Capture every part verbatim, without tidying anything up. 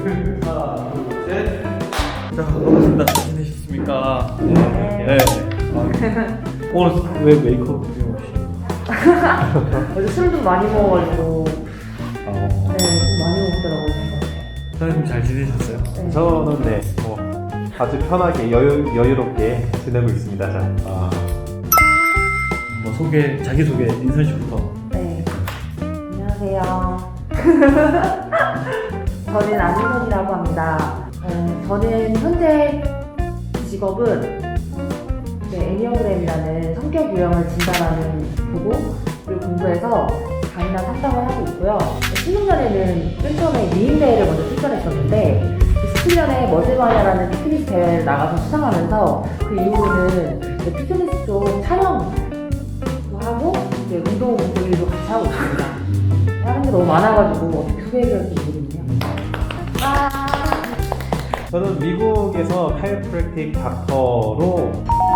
하나, 둘, 셋. 자, 반갑습니다. 잘 지내셨습니까? 네. 아, 오늘 왜 메이크업 없이? 어제 술을 좀 많이 먹어가지고 어. 네, 좀 많이 먹더라고요. 사장님 잘 지내셨어요? 네. 저는 네, 뭐 아주 편하게 여유, 여유롭게 지내고 있습니다. 자. 아. 뭐 소개, 자기 소개 인선 씨부터. 네. 안녕하세요. 저는 안민선이라고 합니다. 어, 저는 현재 직업은 네, 애니어그램이라는 성격 유형을 진단하는 보고 그리고 공부해서 강의나 상담을 하고 있고요. 십육 년에는 맨 처음에 미인 대회를 먼저 출전했었는데 십칠 년에 머슬마니아라는 피트니스 대회를 나가서 수상하면서 그 이후로는 이제 피트니스 쪽 촬영도 하고 이제 운동 일도 같이 하고 있습니다. 하는 게 너무 많아가지고 어떻게 소개해야 될지 모르겠네요. 아~ 저는 미국에서 카이로프랙틱 닥터로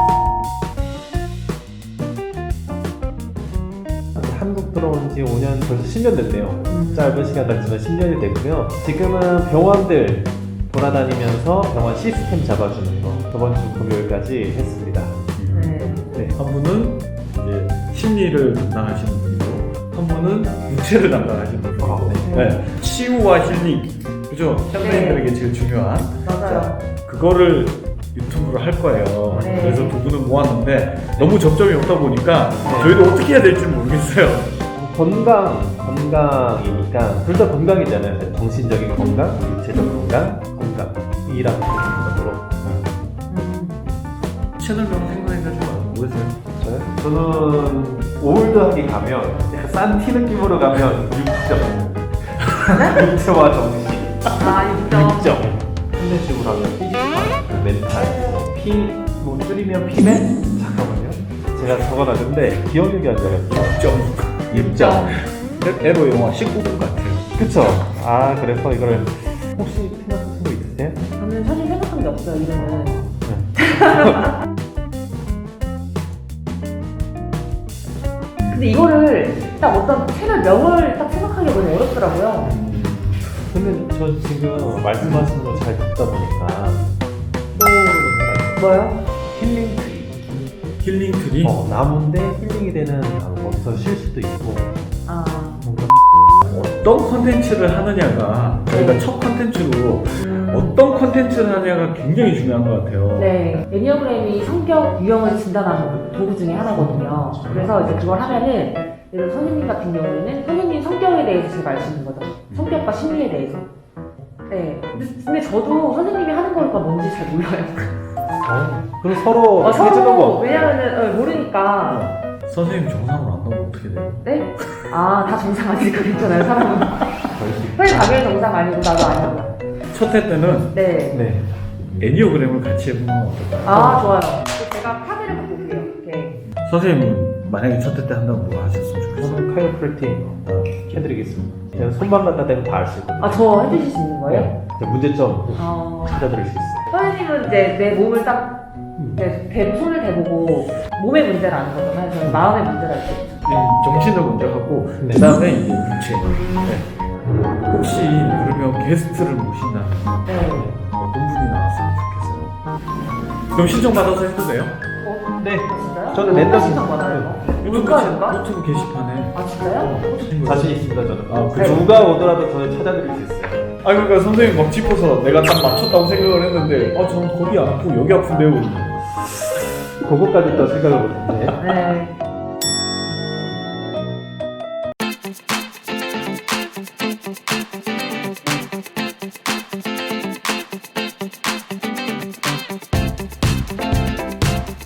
한국 들어온 지 오 년, 벌써 십 년 됐네요. 음. 짧은 시간 단지만 십 년이 됐고요. 지금은 병원들 돌아다니면서 병원 시스템 잡아주는 거 저번 주 금요일까지 했습니다. 네. 네, 한 분은 이제 심리를 담당하시는 분이고, 한 분은 육체를 담당하시는 분이고, 아, 네. 네. 치유와 힐링, 그죠? 현대인들에게 제일 중요한. 맞아요. 그거를 유튜브로 할 거예요. 네. 그래서 두 분을 모았는데 너무 접점이 없다 보니까 네. 저희도 어떻게 해야 될지 모르겠어요. 건강, 건강이니까 둘 다 건강이잖아요. 정신적인 건강, 육체적 건강, 건강이라는 기본으로. 음. 채널명 생각해가지고 모르세요? 저요? 저는 올드하게 가면 약간 산티 느낌으로 가면 육 점 육체와 정신 아, 육 점. 육 점 현대식으로 하면 피지컬, 멘탈, 피, 뭐 줄이면 피맨? 잠깐만요 제가 적어놨는데 기억력이 안 나요. 육 점. 육 점. 에로 영화 십구 금 같아요. 그쵸? 아 그래서 이거를 혹시 생각하신 거 있으세요? 저는 사실 생각한 게 없어요, 이름은. 근데 이거를 딱 어떤 채널 명을 딱 생각하기 너무 어렵더라고요. 근데 저 지금 말씀하시는 거 잘 듣다 보니까 또 뭐요? 힐링 트리 힐링 트리? 어, 나무인데 힐링이 되는 방법에서 쉴 수도 있고 아, 뭔가 어떤 컨텐츠를 하느냐가 저희가 네. 첫 컨텐츠로 음, 어떤 컨텐츠를 하느냐가 굉장히 중요한 것 같아요. 네. 애니어그램이 성격 유형을 진단하는 도구 중에 하나거든요. 그래서 이제 그걸 하면은, 예를 들어 선생님 같은 경우에는 선생님 성격에 대해서 제가 알 수 있는 거죠. 성격과 심리에 대해서. 네. 근데, 근데 저도 선생님이 하는 거니까 뭔지 잘 몰라요. 어, 그럼 서로 어, 해주는 서로, 거 왜냐면은, 어, 모르니까. 어, 선생님 정상으로 안 나오면 어떻게 돼요? 네? 아, 다 정상 아니니까 괜찮아요, 사람은. 벌써 선생님 당연히 정상 아니고 나도 아니고. 첫 회 때는 네. 네. 애니어그램을 같이 해보는 건 어떨까요? 아, 좋아요. 제가 카드를 갖고 올게요. 이렇게. 선생님은 만약에 첫 회 때 한다면 뭐 하셨으면 좋겠어요? 저는 카이로프랙틱 어, 해드리겠습니다. 제가 손만 갖다 대면 다 알 수 있거든요. 아, 저 해주실 수 있는 거예요? 네. 제가 문제점 어. 찾아드릴 수 있어요. 선생님은 이제 내 몸을 딱 이제 대, 손을 대보고 몸의 문제를 아는 거잖아요. 저는 마음의 문제를 알 수 있죠. 네, 정신을 먼저 하고 네. 그 다음에 이제 육체. 네. 혹시 그러면 게스트를 모신다면 네. 어떤 분이 나왔으면 좋겠어요? 그럼 신청 받아서 해도 돼요? 어? 네. 진짜요? 저는 누가 랜덤 신청 받아요? 유튜브, 누가 게- 누가? 유튜브 게시판에 아, 진짜요? 자신 있습니다 저는. 아, 그 그래요? 누가 오더라도 저는 찾아드릴 수 있어요. 아 그러니까 선생님 막 짚어서 내가 딱 맞췄다고 생각을 했는데 아 저는 거기 안 아프고 여기 아픈데요. 그거까지 또 생각을 못했네. 네.